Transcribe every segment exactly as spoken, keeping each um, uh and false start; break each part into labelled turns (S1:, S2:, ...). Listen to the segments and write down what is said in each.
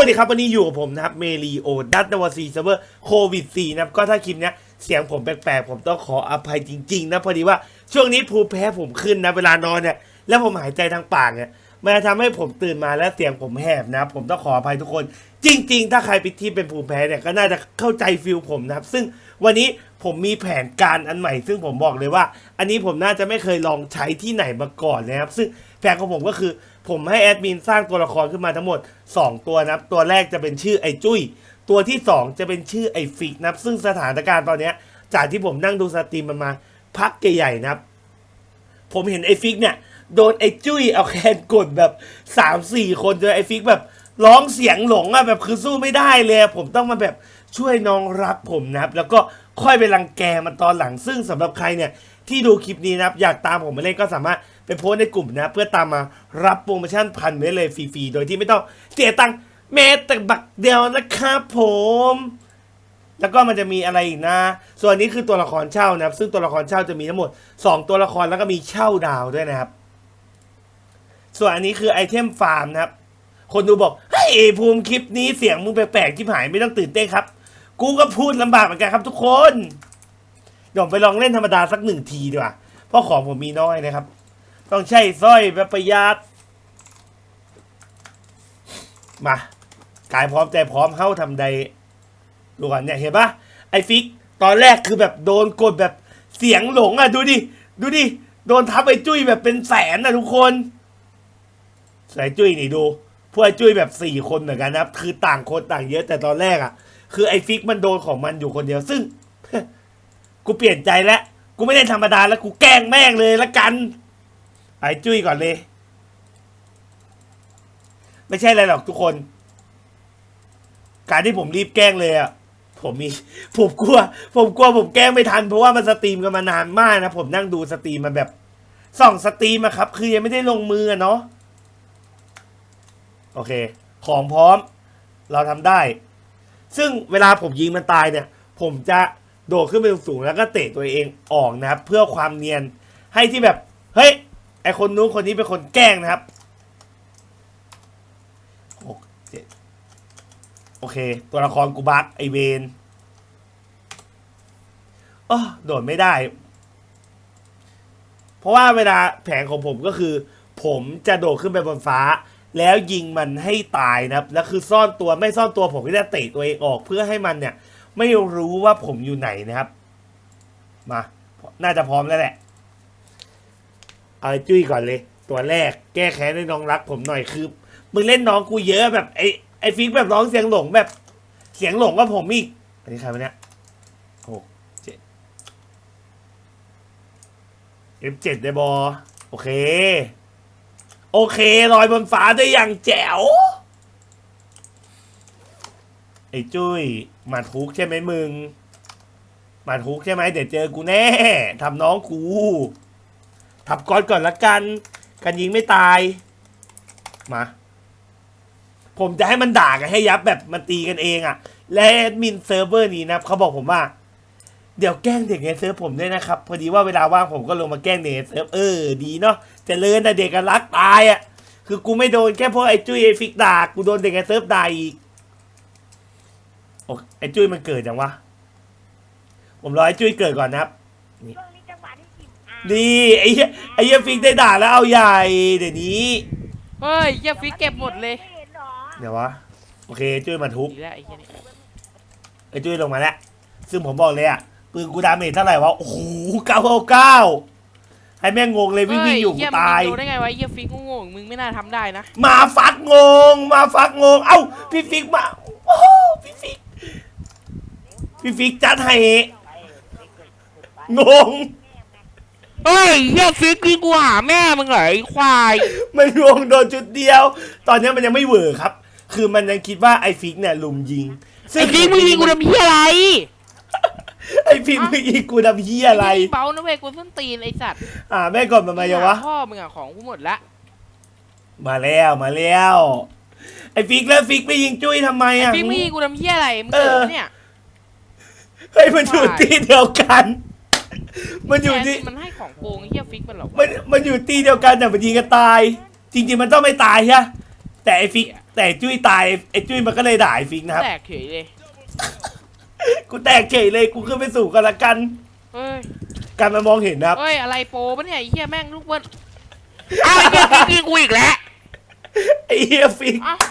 S1: ดีครับวันนี้อยู่กับผมนะครับเมลีโอดัตนวซีเซิร์ฟเวอร์โควิดสี่นะครับก็ถ้าคลิปนี้เสียงผมแปลกๆผมต้องขออภัยจริงๆนะพอดีว่าช่วงนี้ภูมิแพ้ผมขึ้นนะเวลานอนเนี่ยแล้วผมหายใจทางปากเนี่ยมันจะทำให้ผมตื่นมาแล้วเสียงผมแหบนะผมต้องขออภัยทุกคนจริงๆถ้าใครไปที่เป็นภูมิแพ้เนี่ยก็น่าจะเข้าใจฟิลผมนะครับซึ่งวันนี้ผมมีแผนการอันใหม่ซึ่งผมบอกเลยว่าอันนี้ผมน่าจะไม่เคยลองใช้ที่ไหนมาก่อนนะครับซึ่งแผนของผมก็คือผมให้แอดมินสร้างตัวละครขึ้นมาทั้งหมดสองตัวนะครับตัวแรกจะเป็นชื่อไอ้จุ้ยตัวที่สองจะเป็นชื่อไอ้ฟิกนะครับซึ่งสถานการณ์ตอนนี้จากที่ผมนั่งดูสตรีมมันมาพักใหญ่ๆนะครับผมเห็นไอ้ฟิกเนี่ยโดนไอ้จุ้ยเอาแคนกดแบบ สามสี่คนจนไอ้ฟิกแบบร้องเสียงหลงอะแบบคือสู้ไม่ได้เลยผมต้องมาแบบช่วยน้องรักผมนะครับแล้วก็ค่อยไปรังแกมันตอนหลังซึ่งสำหรับใครเนี่ยที่ดูคลิปนี้นะครับอยากตามผมมาเล่นก็สามารถไปโพสในกลุ่มนะเพื่อตามมารับโปรโมชั่นพันไว้เลยฟรีๆโดยที่ไม่ต้องเสียตังค์แม้แต่บักเดียวนะครับผมแล้วก็มันจะมีอะไรอีกนะส่วนนี้คือตัวละครเช่านะครับซึ่งตัวละครเช่าจะมีทั้งหมดสองตัวละครแล้วก็มีเช่าดาวด้วยนะครับส่วนอันนี้คือไอเทมฟาร์มนะครับคนดูบอกเฮ้ยภูมิคลิปนี้เสียงมึงแปลกๆที่หายไม่ต้องตื่นเต้นครับกูก็พูดลำบากเหมือนกันครับทุกคนเดี๋ยวไปลองเล่นธรรมดาสักหนึ่งทีดีกว่าเพราะของผมมีน้อยนะครับต้องใช้สร้อยแบบประหยัดมากายพร้อมใจพร้อมเข้าทำใดดูก่อนเนี่ยเห็นปะไอฟิกตอนแรกคือแบบโดนกดแบบเสียงหลงอ่ะดูดิดูดิโดนทับไอจุ้ยแบบเป็นแสนนะทุกคนใส่จุ้ยนี่ดูพวกไอจุ้ยแบบสี่คนเหมือนกันนะคือต่างคนต่างเยอะแต่ตอนแรกอ่ะคือไอฟิกมันโดนของมันอยู่คนเดียวซึ่ง กูเปลี่ยนใจแล้วกูไม่ได้ธรรมดาแล้วกูแกล้งแม่งเลยละกันไอ้จุ้ยก่อนเลยไม่ใช่อะไรหรอกทุกคนการที่ผมรีบแกล้งเลยอ่ะผมมีผมกลัวผมกลัวผมแกล้งไม่ทันเพราะว่ามันสตรีมกันมานานมากนะผมนั่งดูสตรีมมาแบบส่องสตรีมอะครับคือยังไม่ได้ลงมือเนาะโอเคของพร้อมเราทำได้ซึ่งเวลาผมยิงมันตายเนี่ยผมจะโดดขึ้นไปสูงแล้วก็เตะตัวเองออกนะครับเพื่อความเนียนให้ที่แบบเฮ้ยไอคนนู้นคนนี้เป็นคนแกล้งนะครับหกเจ็ดโอเคตัวละครกูบักไอเวนเออโดดไม่ได้เพราะว่าเวลาแผนของผมก็คือผมจะโดดขึ้นไปบนฟ้าแล้วยิงมันให้ตายนะครับแล้วคือซ่อนตัวไม่ซ่อนตัวผมก็จะเตะตัวเองออกเพื่อให้มันเนี่ยไม่รู้ว่าผมอยู่ไหนนะครับมาน่าจะพร้อมแล้วแหละเอาจุ้ยก่อนเลยตัวแรกแก้แค้นให้น้องรักผมหน่อยคือมึงเล่นน้องกูเยอะแบบไอไอฟิกแบบร้องเสียงหลงแบบเสียงหลงกับผมอีกอันนี้ใครวะเนี่ยหกเจ็ดเอฟเจ็ดได้บอโอเคโอเคลอยบนฟ้าได้อย่างแจ๋วไอ้จุ้ยมาทุกใช่ไหมมึงมาทุกใช่ไหมเดี๋ยวเจอกูแน่ทำน้องกูทับก้อนก่อนละกันกันยิงไม่ตายมาผมจะให้มันด่ากันให้ยับแบบมันตีกันเองอ่ะและแอดมินเซิร์ฟเวอร์นี้นะเขาบอกผมว่าเดี๋ยวแกล้งเด็กในเซิร์ฟผมด้วยนะครับพอดีว่าเวลาว่างผมก็ลงมาแกล้งเด็กในเซิร์ฟเออดีเนาะจะเลินแต่เด็กกันรักตายอ่ะคือกูไม่โดนแค่พวกไอ้จุ้ยไอ้ฟิกด่ากูโดนเด็กในเซิร์ฟด่าอีกโอ้ไอ้จุ้ยมันเกิดยังวะผมรอไอ้จุ้ยเกิดก่อนนะครับนี่นี่ไอ้ไอ้เหี้ยฟิกได้ด่าแล้วเอาใหญ่เดี๋ยวนี้
S2: เฮ้ยเหี้ยฟิกเก็บหมดเลย
S1: เดี๋ยววะโอเคจุ้ยมาทุบ
S2: อีกแล้วไอ้เหี้ยนี่
S1: ไอ้จุ้ยลงมาแล้วซึ่งผมบอกเลยอ่ะปืนกูดาเมจเท่าไหร่วะโอ้โหเก้าเก้าเก้าให้แม่งงงเลยวิ่งวิ่งอยู่กูตาย
S2: เหี้ยมึงโดนได้ไงวะเหี้ยฟิกงงๆมึงไม่น่าทำได้นะ
S1: มาฟักงงมาฟักงงเอ้าพี่ฟิกมาโอ้พี่ฟิกพี่ฟิกจัดให้งง
S2: เฮ้ยเหี้ยฟิกวิ่งกูหาแม่มึงเหรอไอ้ควาย
S1: มันงงโดนจุดเดียวตอนนี้มันยังไม่เวอร์ครับคือมันยังคิดว่าไอ้ฟิกเนี่ยลุมยิง
S2: ไอ้ฟิกมึงยิงกูทำเหี้ยอะไร
S1: ไอ้ฟิกมึงยิงกูทำเหี้ยอะไร
S2: เบานะเว้ยกูส้นตีนไอ้สัตว์
S1: อ่าแม่ก่อนมามายังวะ
S2: พ่อมึงอะของกูหมดละ
S1: มาแล้วมาแล้วไอ้ฟิกแล้วฟิกไปยิงจุ้ยทำไมอ่ะ
S2: ไอ้ฟิกไม่ยิงกูทำเหี้ยอะไรมึงเกิดเนี่ย
S1: เฮ้ยมันอยู่ที่เดียวกันมันอยู่ที่
S2: มันให้ของโกงเหี้ยฟิกมันหรอ
S1: มันมันอยู่ที่เดียวกันแต่มันยิงกันตายจริงๆมันต้องไม่ตายใช่แต่ไอ้ฟิกแต่ไอ้จุ้ยตายไอ้จุ้ยมันก็เลยด่าไอ้ฟิกนะครับ
S2: แตกเฉยเลย
S1: กูแตกเฉยเลยกูขึ้นไปสู่กันละกัน
S2: เฮ้ย
S1: การมามองเห็นนะครับ
S2: เฮ้ยอะไรโปรปะเนี่ยไอ้เหี้ยแม่งลูกเบิ้ลอ้าวไอ้เหี้ยฟิกยิงกูอีกแล้ว
S1: ไอ้เฮียฟิก
S2: อ้าว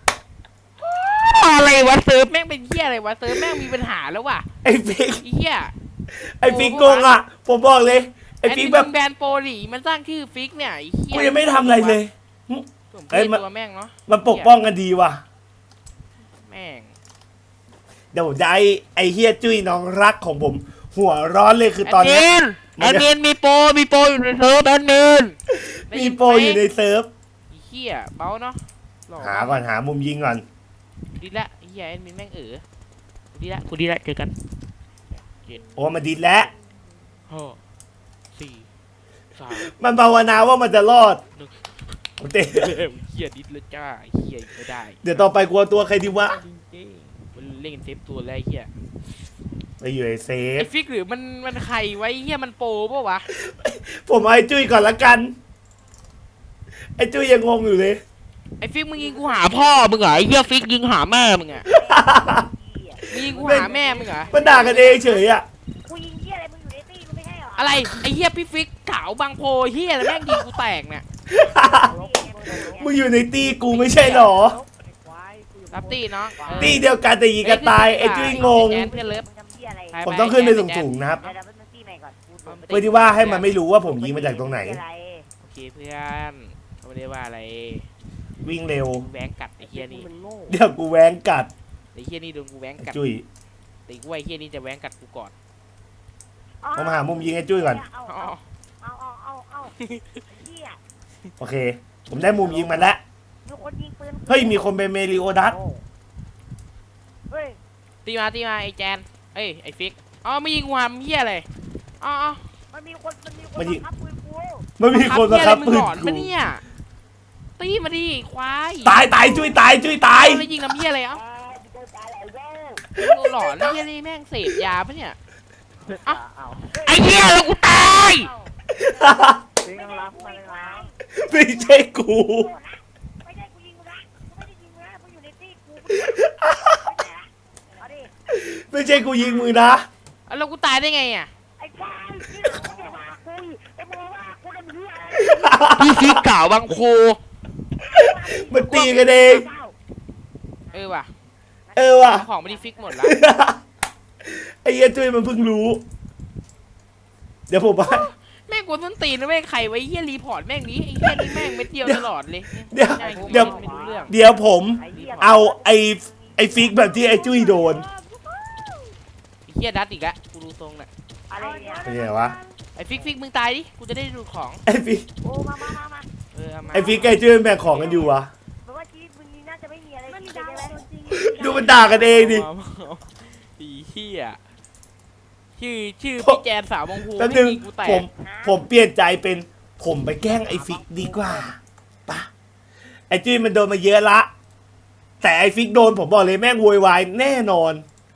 S2: อะไรวะเซิร์ฟแม่งเป็นเหี้ยอะไรวะเซิร์ฟแม่งมีปัญหาแล้วว่ะ
S1: ไอ้ฟิก
S2: ไอ้เหี้ย
S1: ไอ้ฟิกโกงอ่ะผมบอกเลยไอ้ฟิก
S2: แอ
S1: แบ
S2: ด
S1: บ
S2: มินแบรนด์โปรหลีมันสร้างชื่อฟิกเนี่ยไอ้เหี้ย
S1: กูยังไม่ทำอะไรเลย
S2: ผม
S1: เอ้
S2: เอ้
S1: ยมัน
S2: ตัวแม่งเนาะ
S1: มันปกป้องกันดีว่ะ
S2: แม่ง
S1: เดี๋ยวผมจะไอ้ไอ้เฮียจุ้ยน้องรักของผม หัวร้อนเลยคือตอน
S2: แอด
S1: เนี้
S2: มิ
S1: ย
S2: นแอดมินมีโปรมีโปรอยู่ในเซิร์ฟแอดมิน
S1: มีโปรอยู่ในเซิร์ฟ
S2: ไอ้เหี้ยเบาเนาะหล่อ
S1: หาก่อนหามุมยิงก่อน
S2: ดีละไอ้เหี้ยแอดมินแม่งเออกูดีละกูดีละเจอกันเจ็ด
S1: โอ้มาดิดแล้ว
S2: ห้าสี่สาม
S1: มันภาวนาว่ามันจะรอด
S2: หนึ่ง
S1: โอเต้
S2: เฮ้ยเหี้ยดิดเลยจ้าไอ้เหี้ยไม่ได้
S1: เดี๋ยวต่อไปกลัวตัวใครดีวะ
S2: จริงๆมันเล่นเซฟตัวแล้วไอ้เหี้ย
S1: ไปอยู่ในเซฟ
S2: ไอ้ฟิกหรือมันมันใครไว้เหี้ยมันโปรปะวะ
S1: ผมเอาไอ้จุ้ยก่อนละกัน ไอ้จุ้ยยังงงอยู่เลย
S2: ไอ้ฟิกมึงยิงกูหาพ่อมึงเหรอไอ้เหี้ยฟิกยิงหาแม่มึงอะมึงยิงกูหาแม่มึงเหรอ
S1: มันด่ากันเองเฉยอะ
S3: กูยิงเหี้ยอะไรมึงอยู่ในตี้มึงไม่ใช่เหรอ
S2: อะไรไอ้เหี้ยพี่ฟิกขาวบางโพเหี้ยแล้วแม่งยิงกูแตกเนี่ย
S1: มึงอยู่ในตีกูไม่ใช่หรอ
S2: รับตีเนาะ
S1: ตีเดียวกันแต่ยิงกันตายไอ้จุ้ยงง
S2: แอนเพื่อนเลิฟ
S3: มึงทำเหี้ยอะไร
S2: ไป
S1: ผมต้องขึ้นไปสูงๆนะครับ
S3: เดี๋ยวเดี๋ยวมึงตี้ใหม่ก่อนกูโดน
S1: เพื่อที่ว่าให้มันไม่รู้ว่าผมยิงมาจากตรงไหน
S3: เหี้ยอะร
S2: โอเคเพื่อนเขาไม่ได้ว่าอะไร
S1: วิ่งเร็ว
S2: กูแหวงกัดไอ้เหี้ยนี่
S3: มึงโง่
S1: เดี๋ยวกูแหว้งกัด
S2: ไอ้เหี้ยนี่โดนกูแหวง
S1: ไอ้
S2: กัด
S1: จุ้ย
S2: แต่กูว่าไอ้เหี้ยนี่จะแหวงกัดกูก่อน
S1: ผมหามุมยิงไอ้จุ้ยก่อน
S3: เอา
S2: อ๋อ
S3: เอาเอาเอาเอาเหี้ย
S1: โอเค ผมได้มุมยิงมันแล้ว
S3: มีคนยิงปืน
S1: เฮ้ยมีคนเป็นเมริโอดัส
S3: เฮ้ย
S2: ตีมาตีมาไอ้แจนเอ้ยไอ้ฟิกอ๋อไม่ยิงกูหามเหี้ยอะไรอ๋ออ๋อ
S3: มันมีคนมันมีคนบังคับปืนกู
S1: มันมีคนมาครับ
S2: มึ
S1: ปื
S2: ง
S1: น
S2: หลอน
S1: กู
S2: ปะเนี่ยตีมาดิควาย
S1: ตายตายจุ้ยตายจุ้ยตาย
S2: แล้วยิงน้ำเหี้ยอะไรเอ้า
S3: อ่ากูตายแล้วเว้ย
S2: มึงหลอนเหี้ยนี่แม่งเสพยาปะเนี่ย
S3: เอาเอา
S2: ไอ้เหี้ยแล้วกูตาย
S3: ไม่ได้กูไม่ได้
S1: ไม่ใช่กู
S3: ไม่ได้กูยิงมึงนะกูไม่ได้ยิงมึงนะมึงอยู่ในตี้กูไม่ได้ละเอาดิ
S1: ไม่ใช่กูยิงมือนะ
S2: แล้วกูตายได้ไงอ่ะ
S3: ไอ้ควายที่มึงอย่ามาคุยไอ้มึงว่ากูทำเหี้ยอะไร
S2: พี่ฟิกเก่าบางโค
S1: มันตีกันเอง
S2: เออว่ะ
S1: เออว่ะ
S2: ของไม่ได้ฟิกหมดแล้ว
S1: ไอ้เหี้ยจุ้ยมันเพิ่งรู้ เดี๋ยวผมว่า
S2: แม่งกวนต้นตีนนะแม่งใครไว้เหี้ยรีพอร์ตแม่งนี้ไอ้เหี้ยนี่แม่งเม็ดเดียวตลอดเลย
S1: เดี๋ยว
S2: ใช่
S1: เดี๋ยว
S2: ไม่รู้เรื่อง
S1: เดี๋ยวผม
S3: ไอ้เหี้ย
S1: เอาไอ้ไอ้ฟิกแบบที่ไอ้จุ้ยโดน
S2: ไอ้เหี้ยดัดอีกแล้วกูดูทรงน่ะ
S3: อะไรเนี่ย
S1: เป็นไงวะ
S2: ไอ้ฟิกฟิกมึงตายดิกูจะได้ดูของ
S1: ไอ้ฟิก
S3: โอ้มามามามา
S2: เออเอามา
S1: ไอ้ฟิกไอ้จุ้ยมันแบ่งของกันอยู่วะ
S3: แปลว่าชีวิตมึงนี่น่าจะไม่มีอะไรดีใช่ไหม
S1: ดูมันด่ากันเองดิ
S2: เอามาเอาไอ้เหี้ยชื่อชื่อพี่แจนสาวบางโพ
S1: แป๊บ
S2: ไม่
S1: นึง
S2: ยิงกูแต
S1: ผ
S2: ก
S1: มผมเปลี่ยนใจเป็นผมไปแกล้งไอ้ฟิกดีกว่าปะไอ้จุ้ยมันโดนมาเยอะละ แต่ไอ้ฟิกโดนผมบอกเลยแม่งโวยวายแน่นอน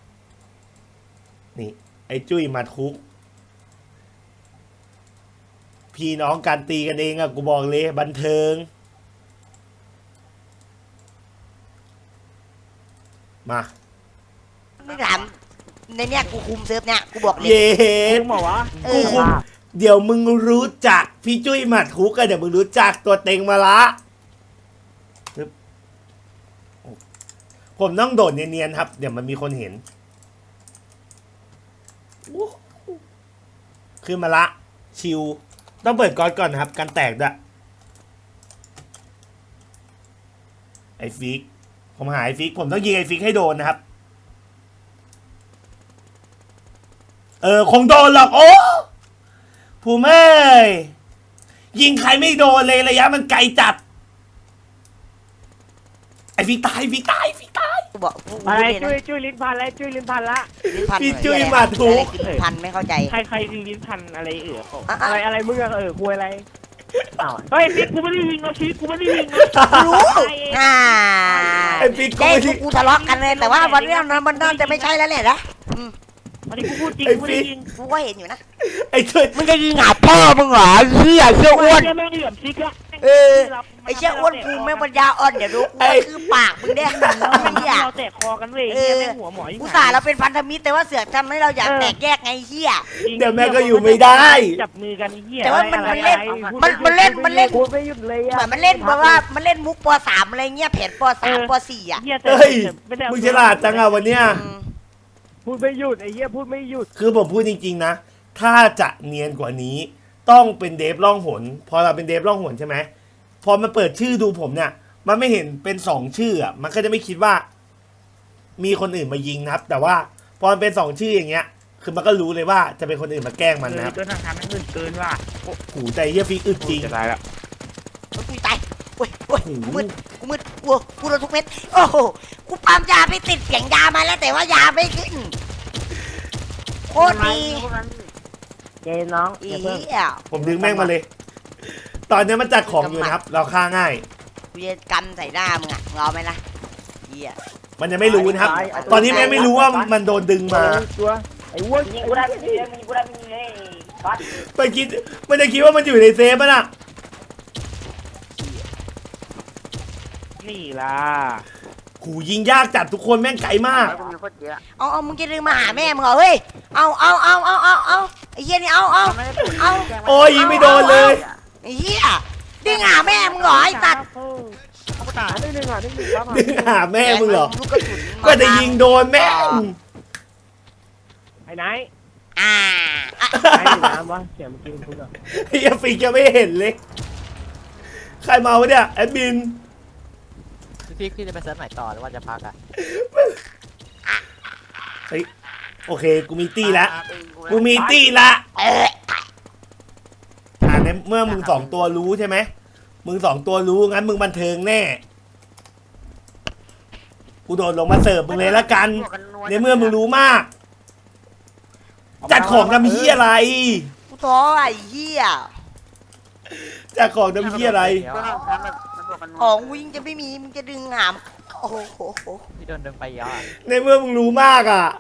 S1: นี่ ไอ้จุ้ยมาทุก พี่น้องการตีกันเองอะกูบอกเลยบันเทิง มา
S4: ไม่ถามในเนี้ยกูคุมเซิร์ฟเนี้ยกูบอกเลย
S1: เย้
S3: มึงบอกว่า
S4: เอ
S1: กู
S4: อ
S1: คุมเดี๋ยวมึงรู้จักพี่จุ้ยหมัดคุกกันเดี๋ยวมึงรู้จักตัวเต็งมาละปึ๊บผมต้องโดดเนียนๆครับ เดี๋ยวมันมีคนเห็นอู้หูขึ้นมาละ ชิว ต้องเปิดก๊อตก่อนนะครับ การแตกด้วยไอฟิก ผมหาไอฟิก ผมต้องยิงไอฟิกให้โดนนะครับ เออ คงโดนหรอกโอ้ผู้เม่ยยิงใครไม่โดนเลยระยะมันไกลจัด ไอฟิกตายฟิกตายฟิกตาย
S4: กูบอกกู
S3: อะไร
S4: พูดเลย
S3: จุ้ย
S4: นะ
S3: จุ้ยลิ้นพันอะไรจุ้ยลิ้นพันละ
S4: ลิ้นพัน
S1: พี่
S4: เหรอ
S1: จุ้ย
S4: เหี้
S1: มาทุก
S4: อะไรคือลิ้นพันไม่เข้าใจ
S3: ใครใครยิงลิ้นพันอะไรเอ๋อ
S4: อ่ะ
S3: อะไร
S4: อ่ะ
S3: อะไรมึงอะเออคุยอะไรอ้าวเฮ้ยปิ๊กกูไม่ได้ยิงนะชีวิตกูไม่ได้ยิงนะ
S4: รู้อ่า
S1: ไอฟิก
S4: เจ๊
S1: กู
S4: พว
S1: ที่
S4: กกูทะเลาะกันเลยแต่ว่าวันนี้มันมันน่าจะไม่ใช่แล้วแหละนะอืม
S3: อันนี้กูพูดจริง
S1: ไอ้
S3: กูไม่ได้
S1: ฟิก
S3: ยิง
S4: กูก็เห็นอยู่นะ
S1: ไอจุ้ย
S4: มึงจะยิงหาพ่อมึงเหรอเหี้ยเชี่ยอ้วน
S3: เหี้ยแม่งเหลี่ยมซิกละแม่ง
S4: เออไอ้เชี่ยอ้วนภูมิแม่งปัญญาอ่อนเดี๋ยวดูกูก็คือปากมึงเนี่ย
S3: เรา
S4: ไอ้เหี้ย
S3: เราแตกคอกันเว้ยเฮียแม่งหัวหมอยิ่ง
S4: อุตส่าห์เราเป็นพันธมิตรแต่ว่าเสือกทำให้เราอยากแตกแยกไงเหี้ย
S1: เดี๋ยวแม่ก็อยู่ไม่ได้
S3: จับมือกันไอ้เฮีย
S4: แต่ว่ามัน
S3: อะไร
S4: มันเล่น
S3: อะไร
S4: มันมันเล่นมันเล่น
S3: พูดไม่หยุดเลย
S4: เหมือนมันเล่นเพราะว่ามันเล่นมุกปสามอะไรเงี้ยแผนปสามปสี่อ่ะ
S3: เฮียแต่
S1: เฮ้ย
S3: ไม่ได้
S1: มึงฉลาดจังอะวันเนี้ย
S4: อืม
S3: พูดไม่หยุดไอ้เฮียพูดไม่หยุด
S1: คือผมพูดจริงๆนะ ถ้าจะเนียนกว่านี้ ต้องเป็นเดฟล่องหน พอเราเป็นเดฟล่องหนใช่ไหม พอมันเปิดชื่อดูผมเนี่ย มันไม่เห็นเป็นสองชื่ออ่ะ มันก็จะไม่คิดว่า มีคนอื่นมายิงนะครับ แต่ว่าพอมันเป็นสองชื่ออย่างเงี้ย คือมันก็รู้เลยว่าจะเป็นคนอื่นมาแกล้งมันนะครับ
S3: เกินทางทางมันอื่นเกินว่ะ
S1: หูใจเฮียฟิกอึดจริง
S3: จะตายแล้ว
S4: กูตายโอ้ยโอ้ยกูมืดกูมืดกูกูโดนทุกเม็ดโอ้โหกูปั๊มยาไปติดเสียงยามาแล้วแต่ว่ายาไม่ขึ้นโคตรดี
S3: เจน้อง
S4: อี
S3: อย่าเพิ่ง
S4: เหี้ย
S1: ผมดึงแม่งมาเลย ตอนนี้มันจัดของอยู่นะครับ เราฆ่าง่าย
S4: กูจะกำใส่หน้ามึงอ่ะมึงเอาไหมล่ะเหี้ย
S1: มันยังไม่รู้นะครับ ตอนนี้แม่งไม่รู้ว่ามันโดนดึงมา
S3: ตัวไอ้วัว
S5: ยิงกูได้ไม่ยิงกูได้ไม่ยิงเลยก๊อต
S1: มันคิด มันจะคิดว่ามันอยู่ในเซฟมันอะ
S3: นี่ล่ะ
S1: หูยิงยากจัดทุกคนแม่งไกลมาก
S5: กูมีโคตรเยอะ
S4: เอาเอามึงจะดึงมาหาแม่มึงเหรอเฮ้ยเอาเอาเอาเอาเอาเอาไอ้เหี้ยนี่เอาเอาเอา
S1: โอ้ยยิงไม่โดนเลย
S4: ไอ้เหี้ยดึงหาแม่มึงเหรอไอ้ตัด
S3: เอาตาหนึ่งหนึ่งอ่ะหนึ่งหนึ่งครับ
S1: ดึงหาแม่มึงเหรอ
S4: ลูกกระสุนมา
S1: ก็จะยิงโดนแม่ง
S3: ไอ้ไหน
S4: อ่าอ่ะ
S3: ไอ้น้ำวะเสียงเมื่อกี้คุณพูดอ่ะ
S1: ไอ้เหี้ยฟิกจะไม่เห็นเลย ใครมาวะเนี่ยแอดมิน
S6: พี่พี่จะไปเซิร์ฟไหนต่อหรือว่าจะพักอ่ะ
S1: เฮ้ยโอเค กูมีตี้ละกูมีตี้ละ
S4: เออ
S1: อ่าในเมื่อมึงสองตัวรู้ใช่ไหมมึงสองตัวรู้งั้นมึงบันเทิงแน่ กูโดดลงมาเสิร์ฟมึงเลยละกัน ในเมื่อมึงรู้มาก จัดของทำเฮียอะไร
S4: กูท้อไอ้เหี้ย
S1: จัดของทำเฮียอะไร
S5: ก็ทำทำแบบมันบวกกันนัว
S4: ของวิ่งจะไม่มีมึงจะดึงหามโอ้โห
S6: พี่โดนดึงไปเยอะอะ
S1: ในเมื่อมึงรู้มากอ่ะ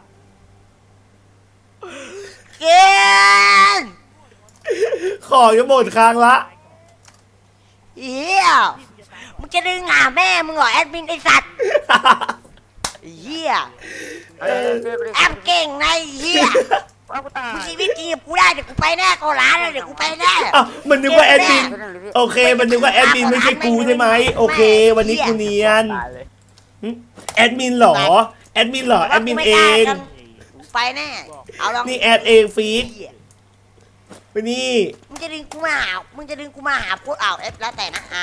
S4: เกณฑ์
S1: ของจะหมดค้างละ
S4: เหี้ยมึงจะดึงหาแม่มึงเหรอแอดมินไอ้สัตว์ไอ้เหี้ย
S5: เออเจอกูดิ
S4: แอมเก่งนะไอ้เหี้ย
S5: ว่ากูตาย
S4: มึงชีวิตจริงกับกูได้เดี๋ยวกูไปแน่โกร้านเลยเดี๋ยวกูไปแน่
S1: อ้าวมันนึกว่าแอดมิน
S5: เจอหนึ่งเลยพี่
S1: โอเค มันนึกว่าแอดมินไม่ใช่กูใช่ไหมโอเค วันนี้กูเนียน
S6: ตายเลย
S1: แอดมินเหรอ แอดมินเหรอ แอดมินเอง
S4: กูไปแน่เอาลอง
S1: นี่แอดเองฟีด
S4: เหี้ย
S1: ไปนี่
S4: มึงจะดึงกูมาหามึงจะดึงกูมาหาพูดเอาเอฟแล้วแต่นะอ่า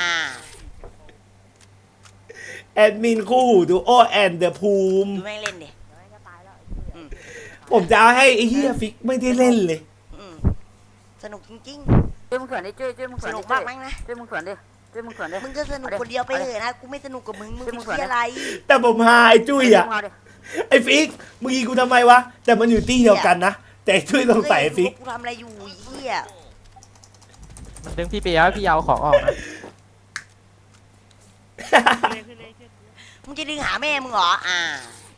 S1: แอดมินคู่หูดูโอแอนเดอะภูมิ
S4: ดูแม่งเล่นดิ
S1: ผมจะเอาให้ไอ้เฮียฟิกไม่ได้เล่นเลย
S4: อืมสนุกจริง
S5: เจ้มึงสวนดิเจ้เจ้มึง
S4: ๆ
S5: ส
S4: ส
S5: วน
S4: นุ
S5: ดิ
S4: ก
S5: เจ้
S4: มากมั้งนะ
S5: เจ้มึงสวนดิเจ้มึงสวนดิ
S4: มึงก็สนุกคนเดียวไปเถอะนะ กูไม่สนุกกับมึง มึง
S5: เฮ้ย
S4: เป็น
S5: มึงสวน
S4: ที่
S5: นะ
S4: อะไร
S1: แต่ผมหาไอ้จุ้ยอ่ะ
S5: เาดิ
S1: ไอ้ฟิกมึงยิงกูทำไมวะ แต่มันอยู่ที่เดียวกันนะ แต่ไอ้จุ้ยสงสัยไอ้ฟิก
S4: กูทำอะไรอยู่ไอ้เหี้ย
S6: มันดึงพี่ไปเยอะพี่เอาของออกนะ
S4: มึงจะดึงหาแม่มึงเหรอ อ่า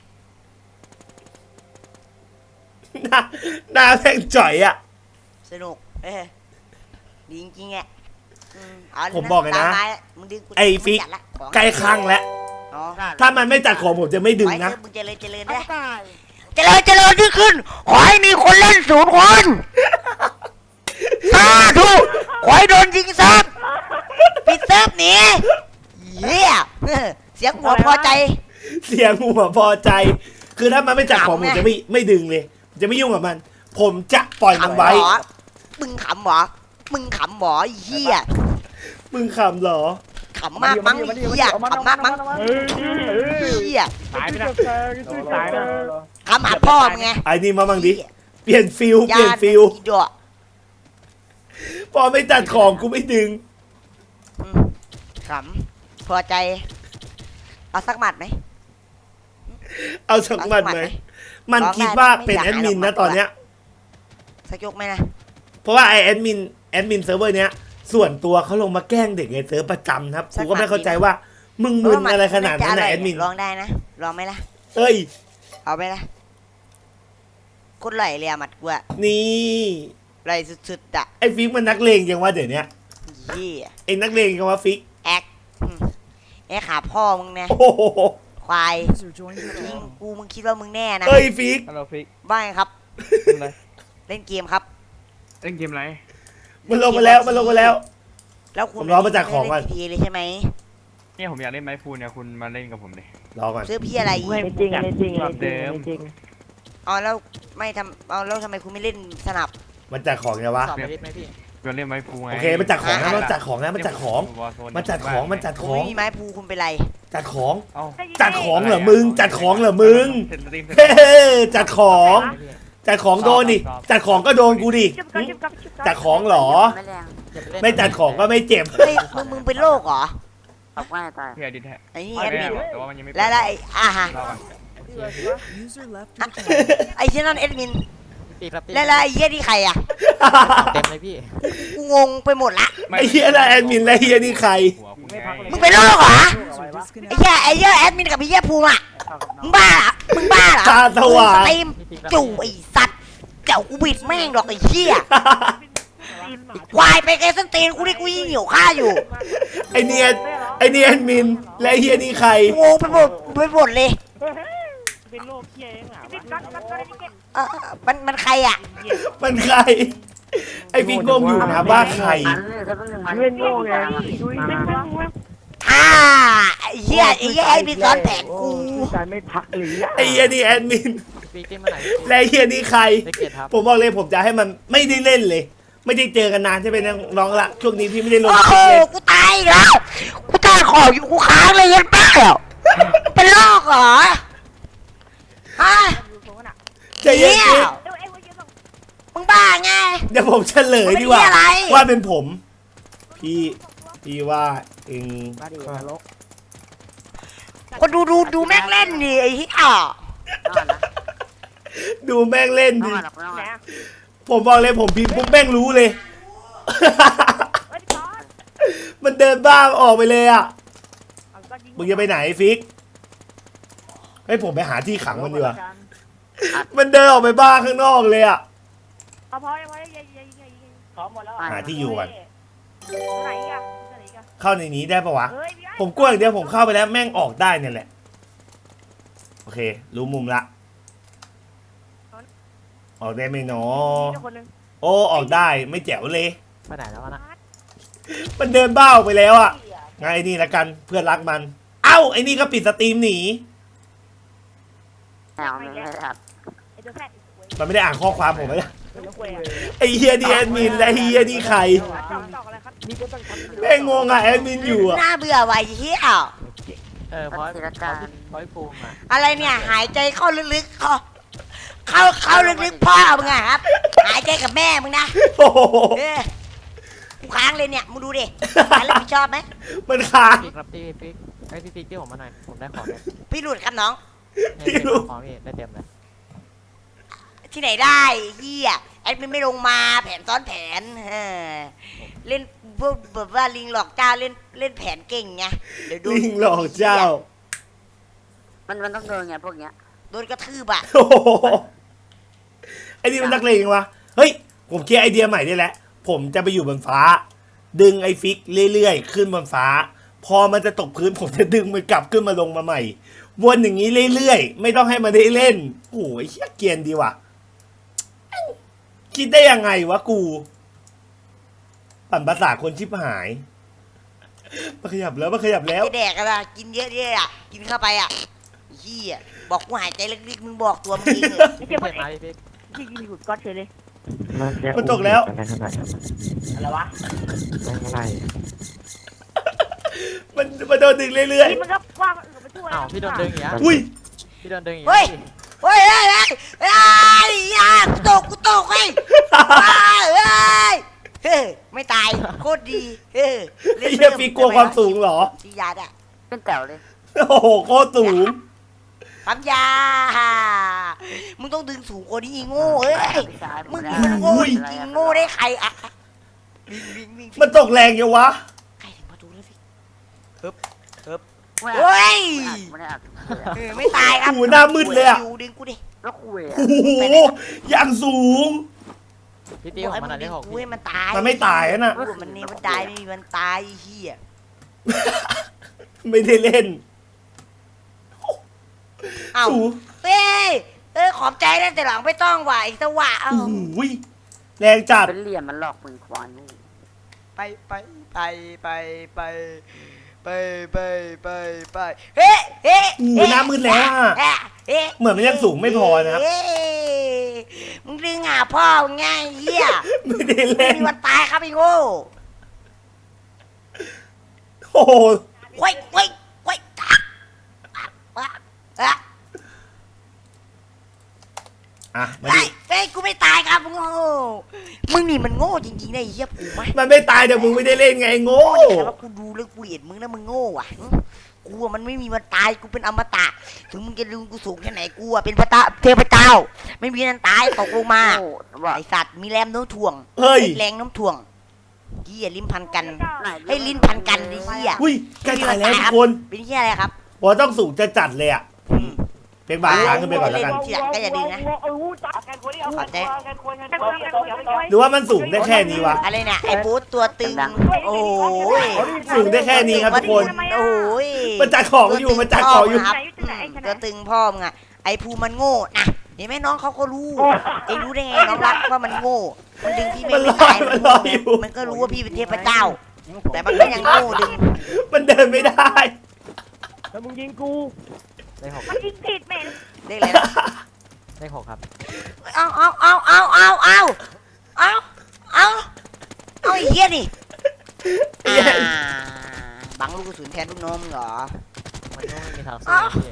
S1: หน้าหน้าแม่งจ่อยอ่ะ
S4: สนุก เออดีจริงๆอ่ะอืมเาเลย
S1: ผมบอกเลยนะ
S4: ตามมามึงดึงกู
S1: ไอ้ฟิก
S4: มึงจัดละของ
S1: ใกล้ครั้งแล้ว
S4: อ๋อ
S1: ถ้ามันไม่จัดของผมจะไม่ดึง
S4: ไว้เถ
S1: นะ
S4: อะมึงเจริญเจริญ
S5: เอา
S4: ได้
S5: กูตาย
S4: เจริญเจริญยิ่งขึ้น ขอให้มีคนเล่นศูนย์คนสาธุขอให้โดนยิงซับปิดเซิร์ฟหนีเหี้ยเออเสียงหัวพอใจ
S1: เสียงหัวพอใจ คือถ้ามันไม่จัดของ
S4: ขำ
S1: ผ
S4: ไง
S1: มจะไม่ไม่ดึงเลย จะไม่ยุ่งกับมัน ผมจะปล่อยมัน
S4: ขำ
S1: ไว้
S4: หรอมึงขำหรอมึงขำหรอไอ้เหี้ย
S1: มึงขำเหรอ
S4: ขำมากมั้งไอ้เหี้ยขำมากมั้ง
S3: เฮ้ยเฮ้ย
S4: เหี้ย
S3: ตายไปนะตายนะ
S4: ขำหาพ่อมึงไง
S1: ไอ้นี่มาบ้างดิ เปลี่ยนฟิลเป
S4: ญา
S1: ลี่ยน
S4: ติ
S1: ฟิล
S4: อีดอก
S1: พอไม่จัดของกูไม่ดึง
S4: อืมขำพอใจ เอาสักหมัดไหม
S1: เอาสักมันไหม มัน
S4: ร้องได้
S1: คิดว่า
S4: ไม่
S1: เป็น
S4: อยาก
S1: แอดมิน
S4: ให้เรา
S1: นะตอนเนี้ย
S4: สักยกไหมนะ
S1: เพราะว่าไอแอดมินแอดมินเซิร์ฟเวอร์เนี้ย ส่วนตัวเขาลงมาแกล้งเด็กในเซิร์ฟประจำครับกูก็ไม่เข้าใจว่า มึงมึนอะไรขนาดนั้นนะแอดมิน
S4: ลองได้นะลองไหมล่ะ
S1: เอ้ย
S4: เอาไหมล่ะคนไหลเลยอะหมัดกูอะ
S1: นี่
S4: ไหลสุดๆอะ
S1: ไอฟิกมันนักเลงยังว่าเดี๋ยวเนี้ย
S4: ยี่
S1: ไอ้นักเลงกันวะฟิก
S4: แอคอืมแอคหาพ่อมึงนะ
S1: โอ้โห
S4: ควายยิงกูมึงคิดว่ามึงแน่นะ
S1: เฮ้ยฟิก
S6: ฮัลโหลฟิก
S4: บ้างครับ
S6: ทำอะไร
S4: เล่นเกมครับ
S6: เล่นเกมอะไร
S1: มันลงมาแล้วมันลงมาแล้ว
S4: แล้วคุณ
S1: ผมรอมาจากของก่อน
S4: เล่น จี ที เอ เลยใช่ไหม
S6: เนี่ยผมอยากเล่นไม้ฟูเนี่ยคุณมาเล่นกับผมดิ
S1: รอก่อน
S4: ซื้อพี่อะไรอีก
S7: ไม่จริงไม่จริง
S6: แบบเดิม
S4: อ๋อแล้วไม่ทำเอาแล้วทำไมคุณไม่เล่นสนับ
S1: มันจัดของไงวะ
S6: สอบไปดิไหมพี่จะเล่นไม้ฟูไง
S1: โอเคมันจัดของนะมันจัดของนะมันจัดของ มันจัดของมันจัด
S4: คุ
S1: ข
S4: ณ
S1: อง
S4: ไม่มีไม้ภูคุณเป็นไร
S1: จัดของ
S6: เอ้า
S1: จัดของเหรอมึง จัดของเหรอมึง
S6: เสร็จสตรีมเสร็จ
S1: เฮ้จัดของ จัดของโดนดิ จัดของก็โดนกูดิ
S3: จุบกับจุบกับจุบกับ
S1: จัดของเหรอ
S5: ไม่แรง
S1: ไม่จัดของก็ไม่เจ็บ
S4: เฮ้ยมึงมึงเป็นโรคเหรอ
S5: ตอกง่ายตาย
S6: พี่อดิทแท้
S4: ไอ้นี่
S6: ไม่
S4: แอดมิน
S6: แต่ว่ามันยังไม่
S4: แล้วแล้วไอ้อ่าฮะ
S6: รอก่อน
S4: ไอ้เช่นนั่นแอดมิน
S2: พี่ครับ
S4: แล้วแล้วไอ้เหี้ยนี่ใครอ่ะ
S2: เต็มเลยพี่
S4: กูงงไปหมดละ
S1: ไอ้เฮียนะแอดมินและเฮียนี่ใคร
S6: หัวคุณไง
S4: มึงเป็นโรคเหรอไอ้เหี้ยไอ้เหี้ยแอดมินกับไอ้เหี้ยภูมิอ่ะมึงบ้าเหรอมึงบ้าเหรอ
S1: ตาสว่าง
S4: มึงสตรีมจู่ไอ้สัตว์เจ้ากูบิดแม่งหรอกไอ้เหี้ยควายไปไกลส้นตีนกูนี่กูยิ่งหิวข้าวอยู่
S1: ไอเนียนไอเนียนมินและเฮียนี่ใคร
S4: กูงงไปหมดไปหมดเลย
S7: เป็นโรคเคี้ยเองอ่ะ
S3: จุบกับจุบกับจุบกับ
S4: เออมันมันใครอ่ะ
S1: มันใคร ไอฟิกงงอยู่นะว่าใคร
S5: อันนี้เขาต้องหนึ่งมัน
S7: เล่นโง่ไงดุยไม่พัก
S4: อ่าไอ้เหี้ยไอ้เหี้ยไอ้บินซ้อนแผนกู
S7: การไม่พักหรือ
S1: ไอเฮียนี่แอดมิน
S2: พี่เต็มมาไหน
S1: และเฮียนี่ใคร
S2: ได้เกียรติครับ
S1: ผมบอกเลยผมจะให้มันไม่ได้เล่นเลย ไม่ได้เจอกันนานใช่ไหมน้องละช่วงนี้พี่ไม่ได้ลง
S4: โอ้
S1: ค
S4: โห
S1: ลิปเลย
S4: กูตายอีกแล้วกูตายขออยู่กูค้างเลยยันแป๊บเป็นโรคเหรอฮะ
S1: ใจเย็น
S4: เหี้ย
S1: ๆ
S3: เดี๋ยวไอ้คนยืนตรง
S4: มึงบ้าไง
S1: เดี๋ยวผมเฉลยดีกว่า
S4: มันเป็นเหี้ยอะไร
S1: ว่าเป็นผม พี่พี่ว่าเอง
S7: มาดินรก
S4: คนดูดูดูแม่งเล่นดิไอ้เหี้ย
S5: ต้องอ่านนะ
S1: ดูแม่งเล่น
S5: ต้อง
S1: ดิ
S5: อ่านหรอกต้อง
S3: ไหน
S5: อ่าน
S3: อ่ะ
S1: ผมบอกเลยผมพิมพ์ปุ๊บแม่งรู้เลย
S3: เฮ้ยพี่ก้อน
S1: มันเดินบ้าออกไปเลยอ่ะ
S3: เอาก้อนยิง
S1: มึงจะไปไหนฟิกเฮ้ยผมไปหาที่ขังมันดีกว่า มันเดินออกไปบ้าข้างนอกเลยอ่ะ
S3: เอาพอยังพอยังยิงยิงยิงยิง
S7: พร้อมหมดแล้ว
S1: หาที่อยู่ก่อน
S3: ไหนอ่ะไหนอ่ะ
S1: เข้าในนี้ได้ปะวะ
S3: เฮ้ยพี่ไอ้
S1: ผมกลัวอย่างเดียวผมเข้าไปแล้วแม่งออกได้เนี่ยแหละ โอเค รู้มุมละ ออกได้ไหมเนาะ
S3: มีคนหนึง
S1: โอ้ออกได้ไม่แจ๋วเลย
S2: ไปไหนแล้ววะนะ
S1: มันเดินบ้าออกไปแล้วอ่ะไงไอ้นี่ละกันเพื่อนรักมัน เอ้าไอ้นี่ก็ปิดสตรีมหนี
S5: แนวไม่ได้อัด
S3: ไอ้ตัวแพทย์
S1: มันไม่ได้อ่านข้อความผมเลย
S3: ไอ้ตัวกล้วยอ่ะ
S1: ไอ้เฮียดีแอดมินและเฮียนี่ใคร
S3: จอกจอกอะไรครับ
S7: นี่ก็ต้องทำ
S1: แม่งงงอ่ะแอดมินอยู่อ่ะ
S4: น่าเบื่อว่ะไอ้เหี้ย
S2: เออเพราะ
S5: ธีรการ
S2: เพราะภูมิอ่ะ
S4: อะไรเนี่ยหายใจเข้าลึกๆเข้าเข้าเข้าลึกๆพ่อมึงอะครับ หายใจกับแม่มึงนะ
S1: โอ้โห
S4: เออกูค้างเลยเนี่ยมึงดูดิใครรับผิดชอบไหม
S1: มันค้าง
S2: พี่ครับพี่พี่ไอ้พี่ฟิกที่ผมมาหน่อยผมได้ของเนี่ย
S4: พี่หลุดครับน้อง
S2: เนี่ยพี่เอาของพี่ได้เต็มเลย
S4: ที่ไหนได้เฮียแอดมินไม่ลงมาแผนซ้อนแผนเออเล่นพวกแบบว่าลิงหลอกเจ้าเล่นเล่นแผนเก่งไงเดี๋ยวโดน
S1: ลิงหลอกเจ้า
S5: มันมันต้องโดนไงพวกเนี้ย
S4: โดนกระทืบอะ
S1: โอ้โหไอ้นี่มันนักเลงวะเฮ้ยผมคิดไอเดียใหม่ได้แล้วผมจะไปอยู่บนฟ้า ดึงไอ้ฟิกเรื่อยๆขึ้นบนฟ้า พอมันจะตกพื้นผมจะดึงมันกลับขึ้นมาลงมาใหม่ วนอย่างนี้เรื่อยๆไม่ต้องให้มันได้เล่นโอ้ยเฮียเกรียนดีว่ะคิดได้ยังไงวะกู ปั่นภาษาคนชิบหายมาขยับแล้วมาขยับแล้ว
S4: ไอ้แดกอะไรกินเยอะๆอะกินเข้าไปอะเฮียบอกกูหายใจลึกๆมึงบอกตัวมึงเองเหรอ
S2: พี่เจ็บมาพี่ฟิก
S3: ยิงยิงหลุดก้อนเฉยเลย
S1: มันตกแล้ว
S7: อะไรวะ
S1: มันมันโดนดึงเรื่อย
S3: นี่มันก็กว้างอื่นไปทั่ว
S2: อ้าวพี่โดนดึงอย่างเงี้ย
S1: ๆอุ้ย
S2: พี่โดนดึงอย่าง
S4: เฮ้
S2: เงี้
S4: ย
S2: ย
S4: เฮ้ยเฮ้ยเฮ้ยเฮ้ยอยากูตกกูตกเฮ้ยเฮ้ยเฮ้ยไม่ตายโคตรดีเฮ้ย
S1: ไอ้เฮียฟิกกลัวความสูงเหรอ
S4: ชียาดอะ
S5: เป็นแจ๋วเลย
S1: โอ้โหโคตรสูง
S4: ปั๊มยา มึงต้องดึงสูงกว่านี้อีโง่เอ้ย
S5: พี่ชาย
S4: มึง
S5: ไได้
S4: มันโง่
S1: อุ้ย
S4: จริงโง่ได้ใครอะวิ่งวิ่งวิ่ง
S1: มันตกแรงยังวะ
S4: ใครถึงประตูแล้วพี่
S5: ไม่
S4: เฮ้ย
S5: ไม่ได้อัด
S4: เออไม่ตายครับ
S1: โอ้โหหน้ามืดเลยอะ
S4: อยู่ดึงกูดิ
S5: แล้วคุย
S1: โอ้โหอย่างสูง
S6: พี่ตี
S4: บ
S6: ข
S4: อก
S6: อง
S4: ให้
S6: มัน
S4: มึ
S6: อ่ะ
S4: ง
S6: ได้
S4: ดึง
S6: หก
S4: กูให้มันตาย
S1: มันไม่ตายนะ
S4: พูดมันนี่มันตายไม่มีมันตายไอ้เหี้ย
S1: ไม่ได้เล่น
S4: เอ้า
S1: สู
S4: เฮ้ยเอ้ยขอบใจนะแต่หลังไม่ต้องว่ะไอ้สวะเอ้า
S1: โอ้โหแรงจัด
S5: เป็นเหลี่ยมมันหลอกมึงควายงู
S4: ไปไปไปไปไปไปไปไปไปเฮ้เฮ้
S1: โอ้โหหน้ามืดแล้วอะ
S4: เฮ้เฮ้
S1: เหมือนมันยังสูงไม่พอนะครับ
S4: เฮ้มึงดึงหาพ่อมึงไงไอ้เหี้ย
S1: ไม่ได้
S4: ไม่
S1: เล่น
S4: มีวันตายครับไอ้โง่
S1: โอ้โห
S4: เว้ยเว้ยเว้ยอ่ะอ่ะอ่ะ
S1: อ่ะมา
S4: ไอ้
S1: ดิ
S4: เฮ้ยกูไม่ตายครับมึงโง่มึงนี่มันโง่จริงๆนะไอ้เหี้ยปูไหม
S1: มันไม่ตายแต่มึงไม่ได้เล่นไงโง่
S4: แต่ว่ากูดูแล้วกูเห็นมึงนะมึงโง่ว่ะกูอะมันไม่มีวันตายกูเป็นอมตะ ถึงมึงจะลืมกูสูงแค่ไหนกูอะเป็นพระเจ้าเทพเจ้า ไม่มีวันตายตกลงมา
S5: โอ้ว่า
S4: ไอสัตว์มีแรงโน้มถ่วง
S1: เฮ้ย
S4: แรงโน้มถ่วงเหี้ยลิ้นพันกัน
S5: ไหน
S4: ให้ลิ้นพันกันไอ้เหี้ย
S1: อุ้ยใกล้ตายแล้วทุกคน
S4: เป็นเหี้ยอะไรครับ
S1: ว่าต้องสูงจะจัดเลยอ่ะ
S4: อืม
S1: เป็นบางครั้งขึ้นไปก่อนแล้วกัน
S4: ทีหลังก็อย่าดึงนะ
S3: เออจับกันคนนี้เอา
S4: ขอบใจ
S3: กันคนกันคนกันคนกัน
S1: หรือว่ามันสูงได้แค่นี้วะ
S4: อะไรเนี่ยไอ้บูธตัวตึง โอ้ย
S1: สูงได้แค่นี้ครับทุกคน
S4: โอ้ย
S1: มันจัดของอยู่มันจัดของอยู่
S4: ครับอืมตัวตึงพ่อมึงอะไอ้ภูมันโง่นะเห็นไหมน้องเขาก็รู้เองรู้ได้ไงน้องรักว่ามันโง่มันดึงพี่ไม่
S1: มันร
S4: ไม่
S1: อ
S4: ตาย
S1: มันรออยู่
S4: มันก็รู้ว่าพี่เป็นเทพเจ้า แต่มันก็ยังโง่ดึง
S1: มันเดินไม่ได้
S7: แล้วมึงยิงกู
S6: ได้หก
S3: มันยิงติดแม่
S4: เรียกอะไรนะ
S6: ได้หกครับ
S4: เอาเอาเอาเอาเอาเอาเอาเอาเอาไอ้เหี้ยนี่อ่าบังลูกกระสุนแทนลูกน้องมึงเหรอ
S6: มันก็ไม่มีทางสู้พี่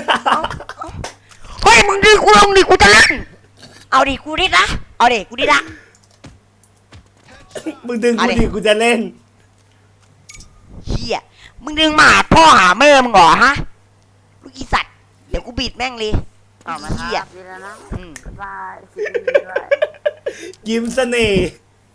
S4: เฮ้ยมึงดึงกูลงดิกูจะเล่นเอาดิกูดิละเอาดิกูดิละ
S1: มึงดึง
S4: เอา
S1: กู
S4: ดิ
S1: ดิกูจะเล่น
S4: เฮียมึงดึงมาหาพ่อหาแม่มึงเหรอฮะลูกอีสัตว์เดี๋ยวกูบีดแม่งเลย
S5: ออกมา
S4: เฮี
S5: ทั
S4: ย
S5: บนี่แล้วนะ
S4: อืม
S5: บ๊ายบายสิด้วย
S1: ยิ้มเสน่ห์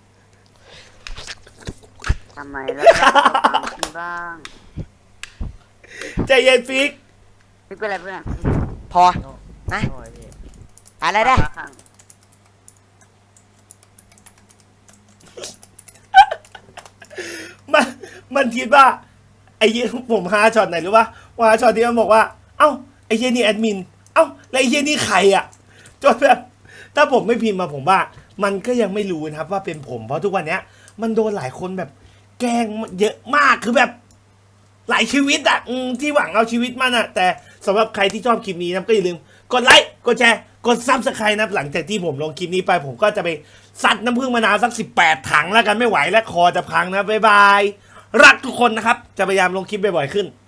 S5: ทำไมแล้วกินบ้าง
S1: ใจเย็นฟิก
S5: พี่เป็นอะไรเพื่อน
S4: พอ
S6: โง่
S4: นะ
S6: โง่ไอ้พี่
S4: อะไรได้
S5: ข้าง
S1: มันมันคิดว่า ไอ้เหี้ยผมหาช็อตไหนรู้ปะว่าช็อตที่มันบอกว่า เอ้าไอ้เหี้ยนี่แอดมิน เอ้าแล้วไอ้เหี้ยนี่ใครอ่ะจนแบบถ้าผมไม่พิมพ์มาผมว่า มันก็ยังไม่รู้นะครับว่าเป็นผมเพราะทุกวันเนี้ย มันโดนหลายคนแบบ แกล้งเยอะมากคือแบบ หลายชีวิตอะอืมที่หวังเอาชีวิตมันอะแต่สำหรับใครที่ชอบคลิปนี้นะก็อย่าลืมกดไลค์กดแชร์กดซับสไครต์นะหลังจากที่ผมลงคลิปนี้ไป ผมก็จะไปซัดน้ำผึ้งมะนาวสักสิบแปดถังแล้วกันไม่ไหวและคอจะพังนะบ๊ายบายรักทุกคนนะครับจะพยายามลงคลิปบ่อยๆขึ้น